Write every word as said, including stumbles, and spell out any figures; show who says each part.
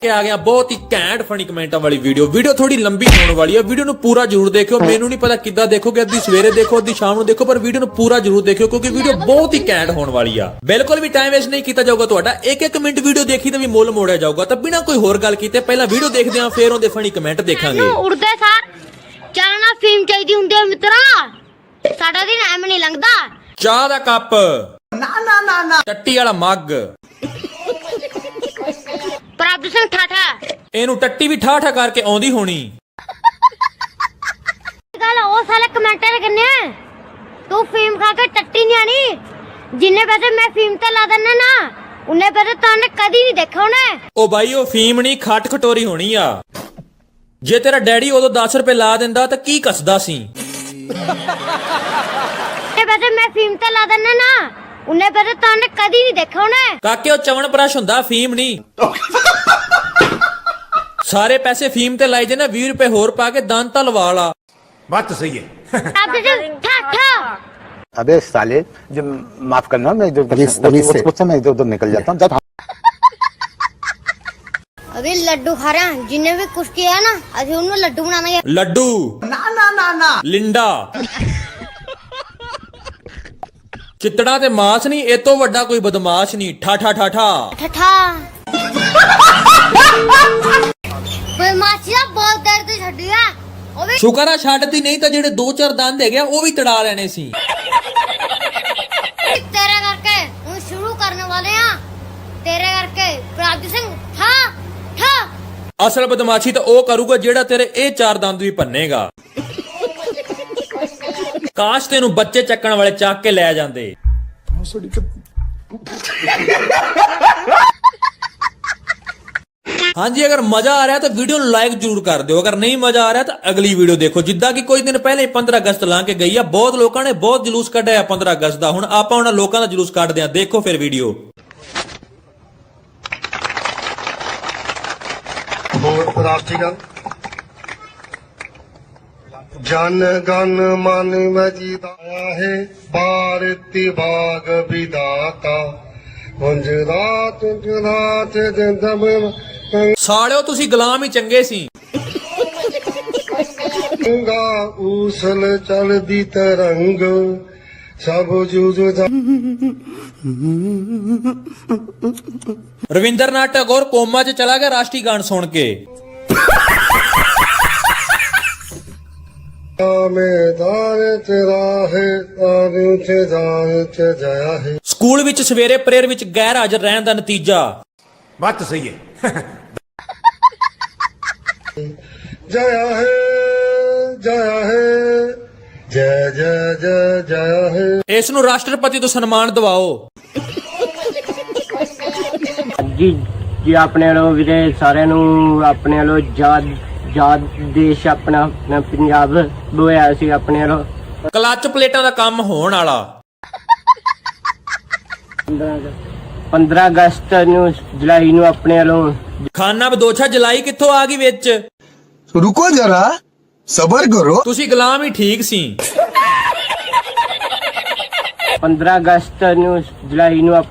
Speaker 1: आ गया बहुत ही घैंट फनी कमेंटा वाली वीडियो वीडियो थोड़ी लंबी होने वाली है वीडियो नु पूरा जरूर देखियो मेनू नहीं पता किद्दां देखोगे अद्धी सवेरे देखो अद्धी शाम नु देखो पर वीडियो नु पूरा जरूर देखियो क्योंकि वीडियो बहुत ही घैंट होने वाली है बिल्कुल भी टाइम वेस्ट नहीं किया जाऊगा ਤੁਹਾਡਾ एक एक मिनट वीडियो देखी तो भी मुल मोड़िया जाऊगा तो बिना कोई होर गल कीते पहला वीडियो देखदे हां फिर ओंदे फनी कमेंट देखांगे
Speaker 2: उड़दे सार चलना फिल्म चाहिदी हुंदी है मित्रा साडा दिन एम नहीं लंघदा
Speaker 1: चाह दा कप
Speaker 3: ना ना ना ना
Speaker 1: टट्टी वाला मग
Speaker 2: प्रभ सिंह ठाठा
Speaker 1: ਇਹਨੂੰ ਟੱਟੀ ਵੀ ਠਾ ਠਾ ਕਰਕੇ ਆਉਂਦੀ ਹੋਣੀ
Speaker 2: ਗੱਲ ਉਹ ਸਾਲੇ ਕਮੈਂਟਰ ਕਰਨੇ ਤੂੰ ਫੀਮ ਖਾ ਕੇ ਟੱਟੀ ਨਹੀਂ ਆਣੀ ਜਿੰਨੇ ਪੈਸੇ ਮੈਂ ਫੀਮ ਤੇ ਲਾ ਦਿੰਨਾ ਨਾ ਉਹਨੇ ਪੈਸੇ ਤੈਨੂੰ ਕਦੀ ਨਹੀਂ ਦੇਖਾ ਉਹਨੇ
Speaker 1: ਉਹ ਬਾਈ ਉਹ ਫੀਮ ਨਹੀਂ ਖੱਟ ਖਟੋਰੀ ਹੋਣੀ ਆ ਜੇ ਤੇਰਾ ਡੈਡੀ ਉਦੋਂ ਦਸ ਰੁਪਏ ਲਾ ਦਿੰਦਾ ਤਾਂ ਕੀ ਕੱਸਦਾ ਸੀ
Speaker 2: ਇਹ ਪੈਸੇ ਮੈਂ ਫੀਮ ਤੇ ਲਾ ਦਿੰਨਾ ਨਾ ਉਹਨੇ ਪੈਸੇ ਤੈਨੂੰ ਕਦੀ ਨਹੀਂ ਦੇਖਾ ਉਹਨੇ
Speaker 1: ਕਾਕੇ ਉਹ ਚਵਣ ਬਰਸ਼ ਹੁੰਦਾ ਫੀਮ ਨਹੀਂ सारे पैसे फीम ते लाई देना बीस रुपए होर पा के दान ता लवा ला
Speaker 4: बात तो सही है
Speaker 2: प्रभ सिंह ठाठा
Speaker 5: अबे साले जो माफ करना मैं इधर उधर मैं इधर उधर निकल जाता हूँ।
Speaker 2: अभी लड्डू खा रहे हैं जिन्हें भी कुछ किया ना अभी उन्हें लड्डू बनाना है
Speaker 1: लड्डू
Speaker 3: ना ना ना ना
Speaker 1: लिंडा चितड़ा ते मास नहीं ए तो वड्डा कोई बदमाश नहीं ठा ठा ठा ठा
Speaker 2: ठठा ਓਏ ਮਾਚੀਆ ਬਹੁਤ ਦਰਦ ਛੱਡਿਆ ਉਹ ਵੀ
Speaker 1: ਸ਼ੁਕਰ ਆ ਛੱਡਦੀ ਨਹੀਂ ਤਾਂ ਜਿਹੜੇ ਦੋ ਚਾਰ ਦੰਦ ਹੈਗੇ ਉਹ ਵੀ ਤੜਾ ਲੈਣੇ ਸੀ
Speaker 2: ਤੇਰੇ ਕਰਕੇ ਹੁਣ ਸ਼ੁਰੂ ਕਰਨ ਵਾਲੇ ਆ ਤੇਰੇ ਕਰਕੇ ਪ੍ਰਭ ਸਿੰਘ ਠਾ ਠਾ
Speaker 1: ਅਸਲ ਬਦਮਾਸ਼ੀ ਤਾਂ ਉਹ ਕਰੂਗਾ ਜਿਹੜਾ ਤੇਰੇ ਇਹ ਚਾਰ ਦੰਦ ਵੀ ਭੰਨੇਗਾ ਕਾਸ਼ ਤੈਨੂੰ ਬੱਚੇ ਚੱਕਣ ਵਾਲੇ ਚੱਕ ਕੇ ਲੈ ਜਾਂਦੇ हाँ जी अगर मजा आ रहा है तो वीडियो लाइक जरूर कर दो अगर नहीं मजा आ रहा है तो अगली वीडियो देखो जिद्दां कि कुछ दिन पहले पंद्रह अगस्त ला के गई है बहुत लोगों ने बहुत जुलूस कढ़िया पंद्रह अगस्त का हुण आपां उन्हां लोकां दा जुलूस कढ़दे हां देखो फिर वीडियो
Speaker 6: जन गण मन मजिदाया है भारती बाग विदाता गुंजरात गुंजरात जंदम
Speaker 1: सालिओ तुसी गुलाम ही चंगे सी
Speaker 6: गंगा ऊसल चलदी तरंग सब जुज
Speaker 1: रविंद्रनाथ टैगोर कोमा च चला गया राष्ट्रीय गान सुन के
Speaker 6: मैदान तेरा है तारू च जाए च जया है
Speaker 1: ਸਕੂਲ ਵਿੱਚ ਸਵੇਰੇ ਪ੍ਰੇਅਰ ਵਿੱਚ ਗੈਰ ਹਾਜ਼ਰ ਰਹਿਣ ਦਾ ਨਤੀਜਾ
Speaker 4: बात तो सही है
Speaker 6: जया है जया है जय जय जय जया है
Speaker 1: ਇਸ ਨੂੰ ਰਾਸ਼ਟਰਪਤੀ ਤੋਂ ਸਨਮਾਨ ਦਿਵਾਓ
Speaker 7: ਜੀ ਜੀ ਆਪਣੇ ਵੱਲੋਂ ਵੀਰੇ ਸਾਰਿਆਂ ਨੂੰ ਆਪਣੇ ਵੱਲੋਂ ਆਜ਼ਾਦ ਆਜ਼ਾਦ ਦੇਸ਼ ਆਪਣਾ ਆਪਣਾ ਪੰਜਾਬ ਹੋਇਆ ਸੀ ਆਪਣੇ ਵੱਲੋਂ
Speaker 1: ਕਲੱਚ ਪਲੇਟਾਂ ਦਾ ਕੰਮ ਹੋਣ ਵਾਲਾ
Speaker 7: ਪੰਦਰਾਂ ਅਗਸਤ ਨੂੰ ਜੁਲਾਈ ਨੂੰ ਆਪਣੇ ਵੱਲੋਂ
Speaker 1: ਖਾਨਾ ਬਦੋਛਾ ਜਲਾਈ ਕਿੱਥੋਂ ਆ ਗਈ ਵਿੱਚ
Speaker 3: रुको जरा सबर करो
Speaker 1: ਤੁਸੀਂ ਗੁਲਾਮ ਹੀ ਠੀਕ ਸੀ
Speaker 7: ਪੰਦਰਾਂ ਅਗਸਤ ਨੂੰ ਜੁਲਾਈ ਨੂੰ